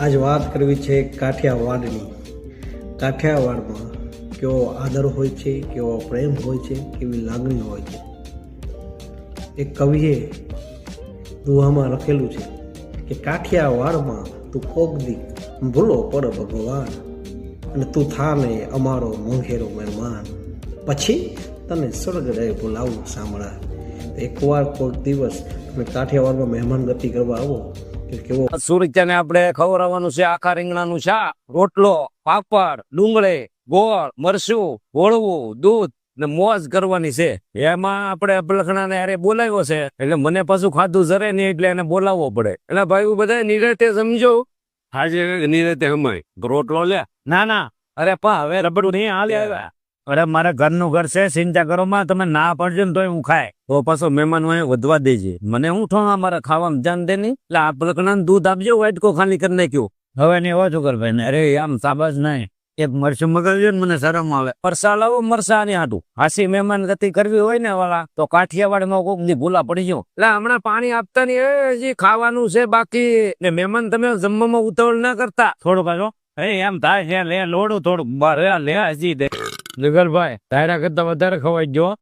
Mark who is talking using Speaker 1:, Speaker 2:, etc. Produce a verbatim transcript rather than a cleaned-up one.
Speaker 1: આજ વાત કરવી છે કાઠિયાવાડની. કાઠિયાવાડમાં કેવો આદર હોય છે, કેવો પ્રેમ હોય છે, કેવી લાગણી હોય છે. એક કવિએ દુહામાં લખેલું છે કે કાઠિયાવાડમાં તું કોક દી ભૂલો પડ ભગવાન, અને તું થાને અમારો મોંઘેરો મહેમાન, પછી તને સ્વર્ગ રહે બોલાવું સાંભળા. એકવાર કોઈક દિવસ તમે કાઠિયાવાડમાં મહેમાન ગતિ કરવા આવો કે કેવો
Speaker 2: સુરત્યાને આપણે ખવડાવવાનું છે આખા રીંગણાનું શાક, રોટલો, પાપડ, ડુંગળી, ગોળ, મરચું, હોળવું, દૂધ ને મોજ કરવાની છે. એમાં આપણે અભલખણાને અરે બોલાવ્યો છે એટલે મને પાછું ખાધું જરે નહીં એટલે એને બોલાવવો પડે. એટલે ભાઈ બધા નિરાતે સમજો. હાજે નિરાતે હમાય રોટલો લે. ના ના અરે પા હવે રબડું નહીં હાલે આવ્યા. અરે મારા ઘરનું ઘર છે, ચિંતા કરો માં. તમે ના પડજો ને તોય હું ખાય તો પાછો મહેમાન હોય વધવા દેજે. મને હું ઠોંગા મારા ખાવામાં જાન દે નહીં. એટલે આ પ્રકરણ દૂધ આપજો, વાટકો ખાલી કરી નાખ્યો. હવે નહીં ઓછું કર ભાઈ. અરે આમ સાબાજ નહીં, એક મરચું મગાવજો ને મને શરમ આવે. મરસા લાવો, મરસા ની હાટું. હાસી મહેમાન ગતિ કરવી હોય ને વાળા તો કાઠિયાવાડમાં કોક દી ભૂલા પડી જાઓ. એટલે હમણાં પાણી આપતા નહીં, હજી ખાવાનું છે બાકી. ને મહેમાન તમે જમવામાં ઉતાવળ ના કરતા. થોડું કાઢો એ એમ થાય છે લે લોડું થોડું લે હજી દે. જગલભાઈ તારા કરતા વધારે ખવાઈ ગયો.